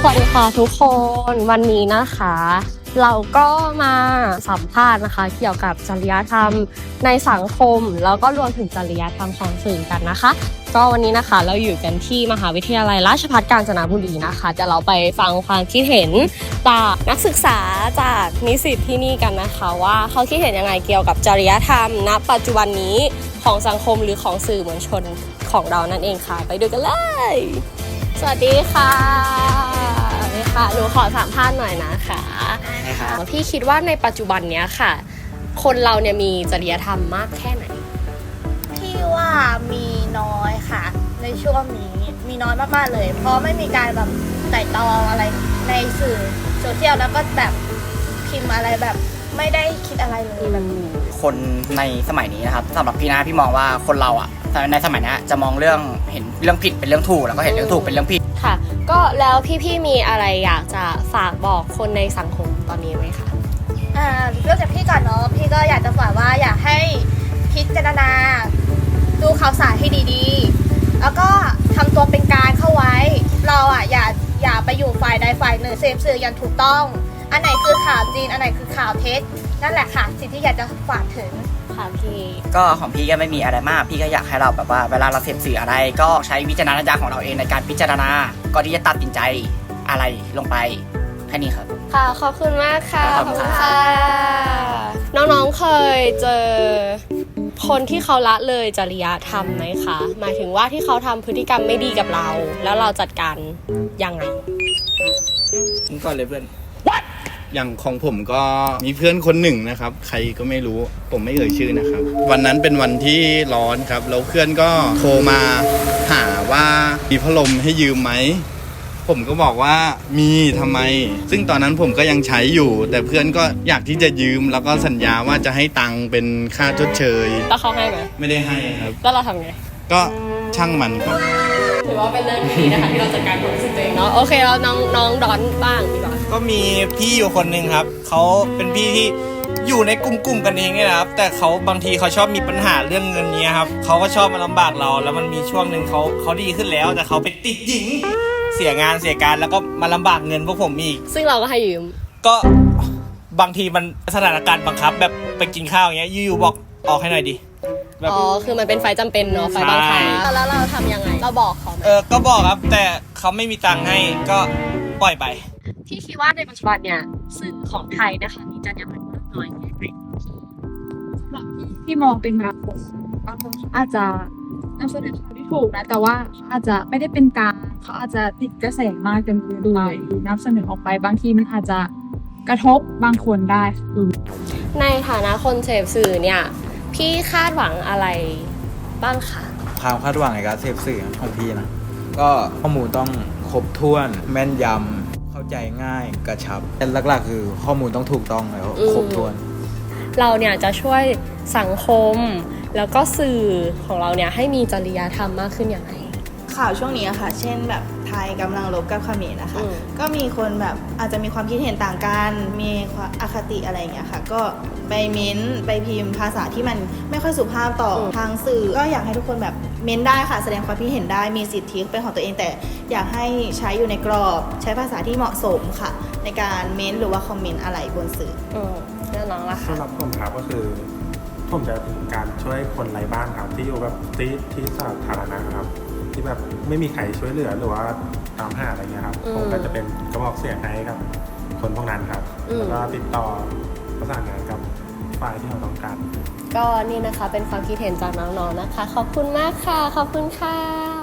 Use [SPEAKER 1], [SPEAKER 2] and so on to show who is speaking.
[SPEAKER 1] สวัสดีค่ะทุกคนวันนี้นะคะเราก็มาสัมภาษณ์นะคะเกี่ยวกับจริยธรรมในสังคมแล้วก็รวมถึงจริยธรรมของสื่อกันนะคะก็วันนี้นะคะเราอยู่กันที่มหาวิทยาลัยราชภัฏกาญจนบุรีนะคะจะเราไปฟังความคิดเห็นจากนักศึกษาจากนิสิตที่นี่กันนะคะว่าเขาคิดเห็นยังไงเกี่ยวกับจริยธรรมณปัจจุบันนี้ของสังคมหรือของสื่อมวลชนของเรานั่นเองค่ะไปดูกันเลยสวัสดีค่ะหนูขอสัมภาษณ์หน่อยนะคะพี่คิดว่าในปัจจุบันเนี้ยค่ะคนเราเนี่ยมีจริยธรรมมากแค่ไหน
[SPEAKER 2] พี่ว่ามีน้อยค่ะในช่วงนี้มีน้อยมากๆเลยเพราะไม่มีการแบบไต่ตรองอะไรในสื่อโซเชียลแล้วก็แบบพิมพ์อะไรแบบไม่ได้คิดอะไรเลยแบบ
[SPEAKER 3] คนในสมัยนี้นะครับสำหรับพี่นะพี่มองว่าคนเราอ่ะในสมัยนี้จะมองเรื่องเห็นเรื่องผิดเป็นเรื่องถูกแล้วก็เห็นเรื่องถูกเป็นเรื่องผิด
[SPEAKER 1] ค่ะก็แล้วพี่มีอะไรอยากจะฝากบอกคนในสังคมตอนนี้ไหมคะ
[SPEAKER 2] เรื่องจากพี่ก่อนเนาะพี่ก็อยากจะฝากว่าอยากให้พิจารณาดูข่าวสารให้ดีๆแล้วก็ทำตัวเป็นกลางเข้าไว้เราอ่ะอย่าไปอยู่ฝ่ายใดฝ่ายหนึ่งเสพสื่ออย่างถูกต้องอันไหนคือข่าวจริงอันไหนคือข่าวเท็จนั่นแหละค่ะสิ่งที่อยากจะฝากถึง
[SPEAKER 1] ค่ะพี่
[SPEAKER 3] ก็ของพี่ก็ไม่มีอะไรมากพี่ก็อยากให้เราแบบว่าเวลาเราเสพสื่ออะไรก็ใช้วิจารณญาณของเราเองในการพิจารณาก่อนที่จะตัดสินใจอะไรลงไปแค่นี้ครับ
[SPEAKER 1] ค่ะขอบคุณมากค่ะ
[SPEAKER 3] ขอบคุณค่ะ
[SPEAKER 1] น้องๆเคยเจอคนที่เขาละเลยจริยธรรมไหมคะหมายถึงว่าที่เขาทำพฤติกรรมไม่ดีกับเราแล้วเราจัดการยังไง
[SPEAKER 3] ก่อนเลยเพื่อน
[SPEAKER 4] อย่างของผมก็มีเพื่อนคนหนึ่งนะครับใครก็ไม่รู้ผมไม่เอ่ยชื่อนะครับวันนั้นเป็นวันที่ร้อนครับแล้วเพื่อนก็โทรมาหาว่ามีพัดลมให้ยืมไหมผมก็บอกว่ามีทำไมซึ่งตอนนั้นผมก็ยังใช้อยู่แต่เพื่อนก็อยากที่จะยืมแล้วก็สัญญาว่าจะให้ตังค์เป็นค่าชดเชย
[SPEAKER 1] แล้วเขาให้ไหม
[SPEAKER 4] ไม่ได้ให้ครับ
[SPEAKER 1] แล้วเราทำไง
[SPEAKER 4] ก็ช่างมันครับ
[SPEAKER 1] ถือว่าเป็นเรื่องดีนะคะที่เราจัดการความรู้สึกตัวเองเนาะโอเคแล้วน้องดอนบ้างดีกว่า
[SPEAKER 5] ก็มีพี่อยู่คนหนึ่งครับเขาเป็นพี่ที่อยู่ในกลุ่มกันเองเนี่ยนะครับแต่เขาบางทีเขาชอบมีปัญหาเรื่องเงินนี้ครับเขาก็ชอบมาลำบากเราแล้วมันมีช่วงหนึ่งเขาดีขึ้นแล้วแต่เขาไปติดหญิงเสียงานเสียการแล้วก็มาลำบากเงินพวกผมอีก
[SPEAKER 1] ซึ่งเราก็ให้ยืม
[SPEAKER 5] ก็บางทีมันสถานการณ์บังคับแบบไปกินข้าวอย่างเงี้ยอยู่ๆบอกออกให้หน่อยดิ
[SPEAKER 1] อ๋อคือมันเป็นไฟจำเป็นเนาะไฟบังคับแล้วเราทำยังไงเราบอกเขา
[SPEAKER 5] ก็บอกครับแต่เขาไม่มีตังค์ให้ก็ปล่อยไป
[SPEAKER 1] พี่คิดว่าในปัจจุบันเนี่ยสื่อของไทยนะคะมีจรรยาบรรณมากน้อยแค่ไหน
[SPEAKER 6] พี่มองเป็นแบบบางคนอาจจะนำเสนอข่าวที่ถูกนะแต่ว่าอาจจะไม่ได้เป็นกลางเขาอาจจะติดกระแสมากจนเกินไปนำเสนอออกไปบางทีมันอาจจะกระทบบางคนได้
[SPEAKER 1] ในฐานะคนเสพสื่อเนี่ยพี่คาดหวังอะไรบ้างคะ
[SPEAKER 7] ความคาดหวังในการเสพสื่อของพี่นะก็ข้อมูลต้องครบถ้วนแม่นยำเข้าใจง่ายกระชับแต่หลักๆคือข้อมูลต้องถูกต้องแล้วครบถ้วน
[SPEAKER 1] เราเนี่ยจะช่วยสังคมแล้วก็สื่อของเราเนี่ยให้มีจริยธรรมมากขึ้นอย่างไร
[SPEAKER 2] ข่าวช่วงนี้ค่ะเช่นแบบไทยกำลังรบกับเขมรนะคะก็มีคนแบบอาจจะมีความคิดเห็นต่างกันมีอคติอะไรอย่างเงี้ยค่ะก็ไปเม้นไปพิมพ์ภาษาที่มันไม่ค่อยสุภาพต่อทางสื่อก็อยากให้ทุกคนแบบเม้นได้ค่ะแสดงความคิดเห็นได้มีสิทธิเป็นของตัวเองแต่อยากให้ใช้อยู่ในกรอบใช้ภาษาที่เหมาะสมค่ะในการเม้นหรือว่าคอมเมนต์อะไรบนสื่อ
[SPEAKER 1] แล้วน้องล่ะคะ
[SPEAKER 8] สำหรับผมครับก็คือผมจะเป็นการช่วยคนไร้บ้านครับที่อยู่แบบที่สาธารณะครับที่แบบไม่มีใครช่วยเหลือหรือว่าตามหาอะไรเงี้ยครับผมก็จะเป็นกระบอกเสียงให้กับคนพวกนั้นครับแล้วก็ติดต่อประสานงานกับฝ่ายที่เราต้องการ
[SPEAKER 1] ก็นี่นะคะเป็นความคิดเห็นจากน้องๆนะคะขอบคุณมากค่ะขอบคุณค่ะ